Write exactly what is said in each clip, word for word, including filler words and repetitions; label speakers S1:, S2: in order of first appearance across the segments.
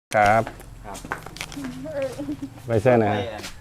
S1: ครับครับไปเส้นไหน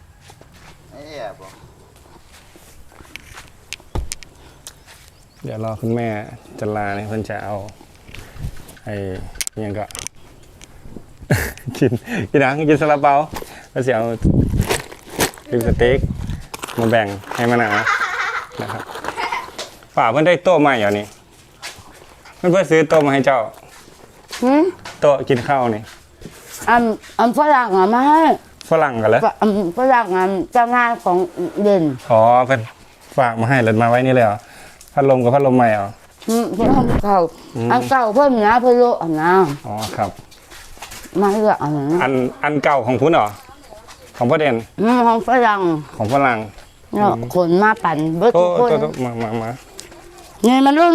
S1: เดี๋ยวรอคุณแม่จะลาเนี่ยเพิ่นจะเอาไอ้ยังก็ กินกินนังกินซาลาเปาแล้วจะเอาดิบสเต็กมาแบ่งให้มะนาวนะครับป่าเพิ่นได้โต๊ะใหม่เหรอนี่เพิ่นเพิ่นซื้อโต๊ะมาให้เจ้าโต๊ะกินข้าวนี่
S2: อันอันฝรั่งอ่ะมาให้
S1: ฝรั่งกันแล้ว
S2: อันฝรั่งอันเจ้างานของเด่น
S1: อ๋อเพิ่นฝากมาให้เลยมาไว้นี่เลยเหรอพัดลมกับพัดลมใหม่เหรอ
S2: อืมเพิ่นทำเก่าอันเก่าเพิ่มนะเพิ่นโลอันนะ
S1: อ๋อครับ
S2: มาเลือกอันนั้น
S1: อันอันเก่าของคุณเหรอของพ่อเด่น
S2: อืมของฝรั่ง
S1: ของฝรั่ง
S2: เนาะคนมาปั่นเบิดทุกคน
S1: มามามา
S2: นี่มันรุ่น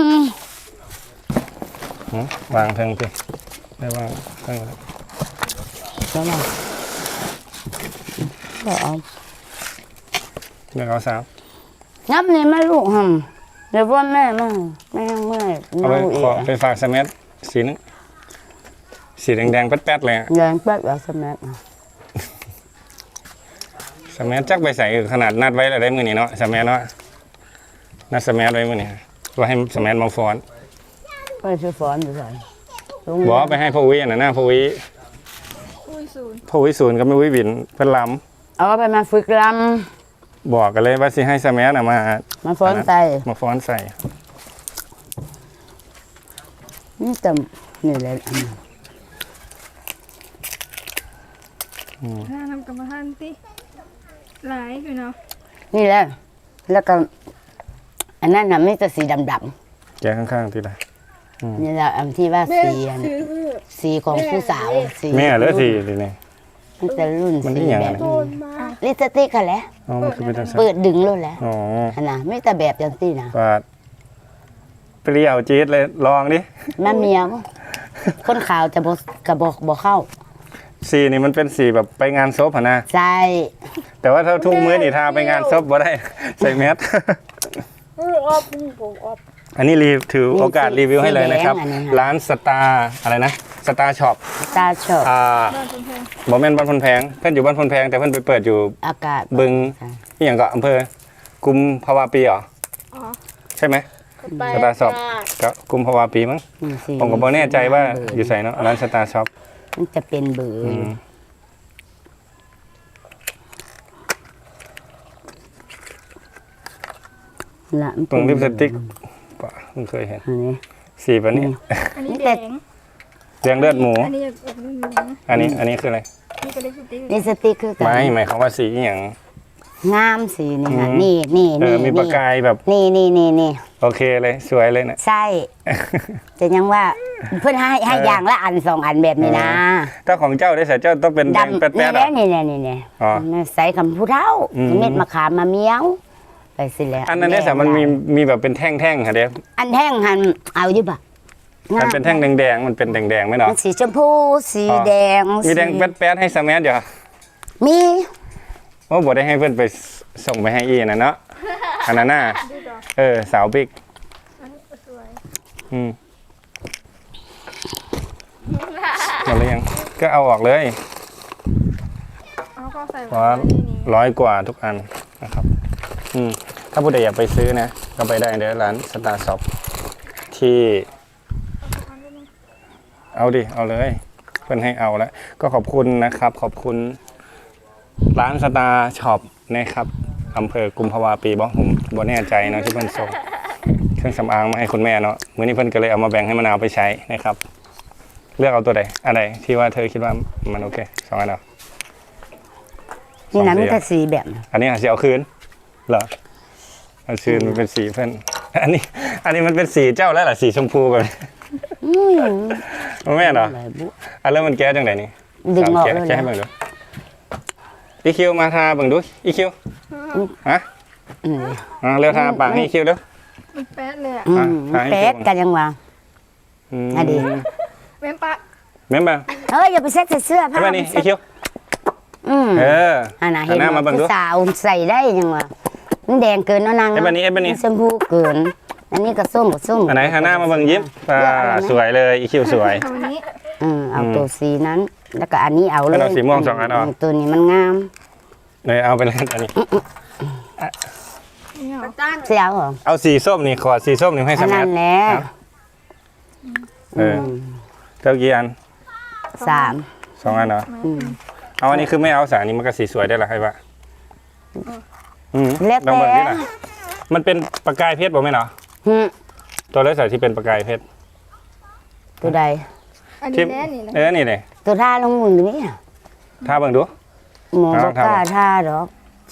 S1: วางเทิงสิได้วางเทิงแล้ว
S2: แล้วมาก็เอา
S1: เดี๋ยวเอาสาม
S2: นับนี่ไม่ลูกหำเดี๋ยวว่าแม่มาแม่เมื่อย
S1: เอาไปขอไปฝากสมัทสีนึงสีแดงๆแป๊ดๆเลย
S2: แดงแป๊ดแบบสมัท
S1: สมัทจักไปใส่ขนาดนัดไว้แล้วได้มือนี่เนาะสมัทเนาะนัดสมัทไว้มือนี่ว่าให้สมัทมาฟ้อน
S2: ไปซื้อฟ้อนอยู่ใส่
S1: บอกไปให้พ่อวิอันนั้นนะพ่อวิพ่อวิศูนย์กับแม่วิบินเพิ่นล
S2: ำเอาไปมาฝึกล
S1: ำบอกกันเลยว่าสิให้สมัทมา
S2: มาฟ้อนใส่
S1: มาฟ้อนใส่
S2: นี่แต่นี่แหละอันนั้น
S3: ถ้าทำกรรมฐานติหลายอยู่เนาะ
S2: นี่แหละแล้วก็อันนั้นน่ะไม่แต่สีดำ
S1: ๆแกข้างๆทีละ
S2: นี่แหละอันที่ว่าสีสีของผู้สาว
S1: สีแม่เหลือสีทีนี่
S2: มันจะรุ่นสีแบบลิปสติกค่ะแหละเปิดดึงเลยแหละอ๋อนะไม่แต่แบบอย่างที่นะ
S1: ปาดเปรี้ยวจี๊ดเลยลองดิ
S2: แม่เมียคนขาวจะบอกกระบอกบอกเข้า
S1: สีนี่มันเป็นสีแบบไปงานซบนะ
S2: ใช่
S1: แต่ว่าถ้าทุกมื้อนี่ทาไปงานซบบ่ได้ใส่แมสอันนี้รีถือโอกาสรีวิวให้เลยนะครับร้านสตาร์อะไรนะสตาร์ช็อป
S2: สตาร์ช็อป
S1: อ่าบ่แม่นบ้านพนแพงเพื่อนอยู่บ้านพนแพงแต่เพื่อนไปเปิดอยู่
S2: อากาศ
S1: บึงที่อย่างก็อำเภอกุมภาวะปีเหรอใช่ไหมสตาร์ช็อปกับกุมภาวะปีมั้งผมก็บ่แน่ใจว่าอยู่ใส่เนาะร้านสตาร์ช็อป
S2: มันจะเป็นเบอร์
S1: ตรงลิปสติกป่ะเพิ่งเคยเห็นสีแบบนี้
S3: อันนี้แดง
S1: แดงเลือดหมู
S3: อันนี้
S1: อันนี้อันนี้คืออะไร
S2: ลิปสติกคือ
S1: ไม่หมายความว่าสีอย่าง
S2: งามสีนี่ค่ะนี่นี่นี่
S1: มีประกายแบบ
S2: นี่นี่นี่นี่
S1: โอเคเลยสวยเลยนะ
S2: ใช่จะยังว่าเพื่อนให้ให้อย่างละอันสองอันแบบนี้นะ
S1: ถ้าของเจ้าได้ใส่เจ้าต้องเป็นแดงแป๊ดๆ
S2: นี่นี่นี่นี่นี่ใส่คำพูดเท่าเม็ดมะขามมะเมียวไปสิแล้ว
S1: อันนั้นเนี่ยแต่มันมีมีแบบเป็นแท่งๆค่ะเด็ก
S2: อันแท่งหันเอาอยู่ปะ
S1: มันเป็นแท่งแดงๆมันเป็นแดงๆไหมเนาะ
S2: สีชมพูสีแดง
S1: มีแดงแป๊ดๆให้สมัทอยู่
S2: มี
S1: ว่าบอได้ให้เพื่อนไปส่งไปให้อีนะเนาะอันนั้นน่ะเออสาวบิ๊กอืมหมดแล้วยังก็เอาออกเลยเพราะร้อยกว่าทุกอันนะครับอืมถ้าผู้ใดอยากไปซื้อนะก็ไปได้ในร้านสตาร์ช็อปที่เอาดิเอาเลยเพื่อนให้เอาแล้วก็ขอบคุณนะครับขอบคุณร้านสตาร์ช็อปนะครับอำเภอกุมภาวะปีบอกผมบ่แน่ใจนะที่เพื่อนส่งเครื่องสำอางมาให้คุณแม่เนาะมื้อนี้เพื่อนก็เลยเอามาแบ่งให้มะนาวไปใช้นะครับเลือกเอาตัวใดอะไรที่ว่าเธอคิดว่ามันโอเคสองอันเอา
S2: นี่นะมันจะสีแบบ
S1: อันนี้สีเอาคืนเหรอเอาคืนมันเป็นสีเพื่อนอันนี้อันนี้มันเป็นสีเจ้าแล้วเหรอสีชมพูแบบแม่เหรออันเริ่มมันแก้จังไหนนี่
S2: ดึงออกเลย
S1: แก้ให้เบิ่งดูอีคิวมาทาเบิ่งดูอีคิวฮะอ่าเร็วทาปากให้อีคิวเด้อ
S3: มันแป๊ดเลยอ่ะ
S2: แป๊ดกันยังวะอดี
S3: เม้มปะ
S1: เม้มปะ
S2: เฮ้ยอย่าไปเซ็ตเสื้อผ้า
S1: แบบนี้อีคิวเออ
S2: อันน่ะเห็นผู้สาวใส่ได้ยังวะมันแดงเกินเนาะนาง
S1: เอฟแบบนี้เอฟแบบนี้
S2: ชมพูเกินอันนี้ก็ส้มกับส้ม
S1: อันไหนฮาน่ามาเบิ่งยิ้มสวยเลยอีคิวสวย
S2: อืมเอาตัวสีนั้นแล้วก็อันนี้เอาเลย
S1: เอาสีม่วงสองอันเอา
S2: ตัวนี้มันงาม
S1: เลยเอาไปเลยอันนี้
S3: นี่เหรอ
S2: เสียวเหรอ
S1: เอาสีส้มนี่ขอสีส้มนี่ให้
S2: อั
S1: ส
S2: น
S1: มั
S2: นั้
S1: ย
S2: นแหละ
S1: เออเท่ากี่อัน
S2: สาม
S1: สองอันเหรอ
S2: อืม
S1: เอาอันนี้คือไม่เอาสารนี้มันก็สีสวยได้หรอให้ปะอืม
S2: แล้ว
S1: ลอง
S2: แต่
S1: เบิ่งนี่นะมันเป็นประกายเพชรบ่ไหมเนาะ
S2: หึ
S1: ตัวเลือดสายที่เป็นประกายเพชร
S2: ตัวใด
S3: อัน
S1: ที่
S3: นี้แน่นี่นะ
S1: เออนี่เลย
S2: ตัวท่าลงมือนี่
S1: ถ้าเบิ่งดู
S2: หมอ
S1: เอา
S2: บอก
S1: ทำ
S2: กล้าท่าดอก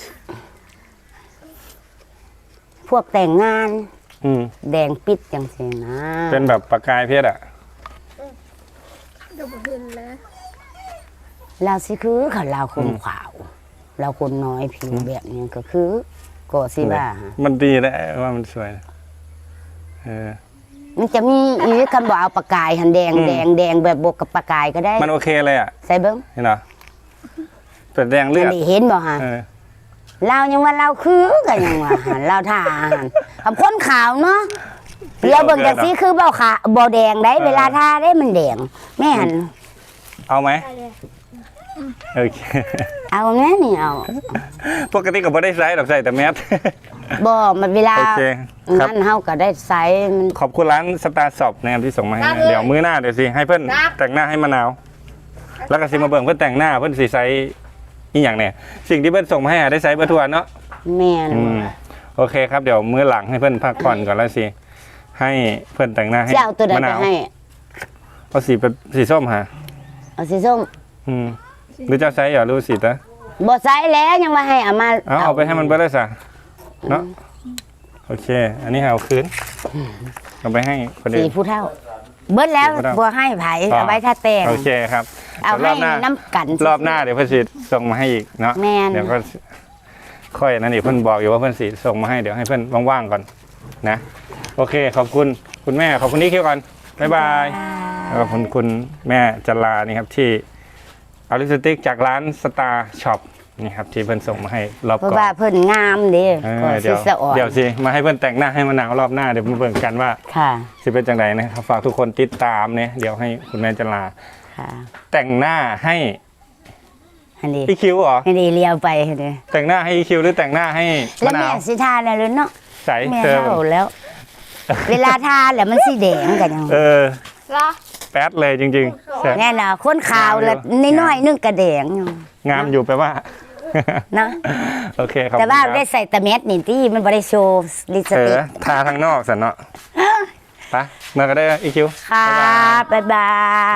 S2: พวกแต่งงาน
S1: อืม
S2: แดงปิดจังซี่นะ
S1: เป็นแบบประกายเพชรอ่ะ
S3: เดี๋ยวผมเห็นแล้ว
S2: เราสิคือเขาเราคนขาว เราคนน้อยผิวแบบนี้ก็คือก็สิว่า
S1: มันดีแล้วว่ามันสวยนะเออ
S2: มันจะมีอีกคำบอกเอาปากกายหันแดง
S1: อืม
S2: แดงแดงแบบบวกกับปากกายก็ได้
S1: มันโอเคเลยอ่ะ
S2: ใส่เบิ้ง
S1: เห็นเหรอเป็นแดงเลื
S2: อั
S1: อน ด
S2: นี้เห็นบ่ฮะ
S1: เออ
S2: เรายังว่าเราคือกันยังว่าหันเราท่าหันคำคนขาวเนาะเดี๋ยวเบิ่งจากสีคือเบ้าขาบ่แดงได้เวลาท่าได้มันแดงแม่หัน
S1: เอาไหม
S3: ได้เลย
S1: โอเค
S2: เอาแม่นี่เอา
S1: ปกติก็ไม่ได้ใส่ดอกใส่แต่แมส
S2: บ่มันเวลา
S1: โอเคครับ
S2: นั่นเฮาก็ได้ใส่มัน
S1: ขอบคุณร้านสตาร์ช็อปนะครับที่ส่งมาให้นะเดี๋ยวมื้อหน้าเดี๋ยวสิให้เพื่อนแต่งหน้าให้มะนาว แล้วก็สิมาเบิ่งเพื่อนแต่งหน้าเพื่อนสีไซส์อีอย่างเนี่ยสิ่งที่เพื่อนส่งมาให้อะได้ไซส์เบอร์ทวนเนาะ
S2: แม่น
S1: อืมโอเคครับเดี๋ยวมื้อหลังให้เพื่อนพักผ่อนก่อนแล้วสิให้เพื่อนแต่งหน้าให้
S2: สิเอาตัวใด
S1: มะ
S2: ไป
S1: นาว
S2: ให้
S1: เอาสีเป็นสีส้มฮะ
S2: เอาสีส้ม
S1: อืมหรือเจ้าไซส์เหรอหรู้สีตะ
S2: บ่ใส่แล้วยังมาให้เอามา
S1: เอาเอาไปให้มันเบิร์ดเลยสะเนาะโอเค อันนี้เอาคืนเอาไปให้คน
S2: สี
S1: อื่น
S2: ผู้เฒ่า เบิดแล้ว
S1: สีผู้เฒ่า
S2: บ่ให้ไผ
S1: อ๋อ
S2: เอาไว้ถ้าแต่ง
S1: โอเคครับ
S2: เอา
S1: ดี๋ยวร
S2: ให้
S1: บหน้า
S2: น้ำกัน
S1: รอบหน้าเดี๋ยวเพื่อนสีส่งมาให้อีกเนาะ
S2: แม่น
S1: เดี๋ยวก็ค่อยนั่นอีกเพื่อนบอกอยู่ว่าเพื่อนสีส่งมาให้เดี๋ยวให้เพื่อนว่างๆก่อนนะโอเคขอบคุณคุณแม่ขอบคุณนี่คิวก่อนบ๊ายบายแล้วก็ขอบคุณคุณแม่จันลานี่ครับที่เอาลิปสติกจากร้านสตาร์ช็อปนี่ครับที่เพื่อนส่งมาให้รอบ
S2: เพราะ
S1: ก่อน
S2: ว่าเพิ่นงามเด้
S1: เอ
S2: ก็
S1: อ
S2: สิ
S1: เดี๋ยว
S2: สะอ่อน
S1: เดี๋ยวสิมาให้เพื่อนแต่งหน้าให้มะนาวรอบหน้าเดี๋ยวมาเบิ่งกันว่า
S2: ค่ะ
S1: สิเป็นจังไดนะครับฝากทุกคนติดตามเนี่ยเดี๋ยวให้คุณแม่จันลา
S2: ค่ะ
S1: แต่งหน้าให้
S2: อันนี้
S1: อีคิวเหรอ
S2: อันนี้เลี้ยวไปเด้
S1: แต่งหน้าให้อีคิวหรือแต่งหน้าให้
S2: แล้ว
S1: มะนา
S2: แม่
S1: ว
S2: สิทาได้เลยเนาะ
S1: ใส
S2: แม่
S1: เธอ
S2: เฒ่าแล้ว เวลาทาแล้วมันสิแดงกันยัง
S1: เออ
S3: ละ
S1: แป๊ดเลยจริงๆแซ่บ
S2: แน่น่ะคนขาวแล้วน้อยๆนึงก็แดงอยู่
S1: งามอยู่แปลว่า
S2: นะ
S1: โอเคขอบ
S2: แต่
S1: คุณ
S2: ว่า
S1: ครับ
S2: ได้ใส่ตะเม็ดนี่ที่มันบ่ได้โชว์ลิปส
S1: เอ
S2: ติ
S1: อก ทาทางนอกสันเนาะไปเมื่อก็ได้อีคิว
S2: ค่ะบ๊ายบาย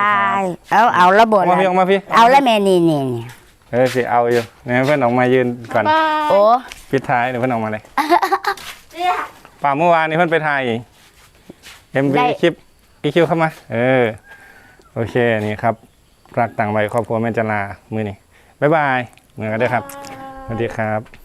S2: เอาเอาระบบ
S1: ออกมาพี่ออกมาพี่
S2: เอาแล้วแม่นี่นี่นี่
S1: เออสิเอาอยู่เนี่ยเพื่อนออกมายืนก่อน
S3: บาย
S2: โอ้
S1: ปิดท้ายเดี๋ยวเพื่อนออกมาเลยป่าเมื่อวานนี้เพื่อนไปถ่ายเอ็มวีคลิปอีคิวเข้ามา เออ โอเคนี่ครับรักต่างวัยครอบครัวแม่จันลามือนี่บ๊ายบายเมื่อก็ได้ครับสวัสดีครับ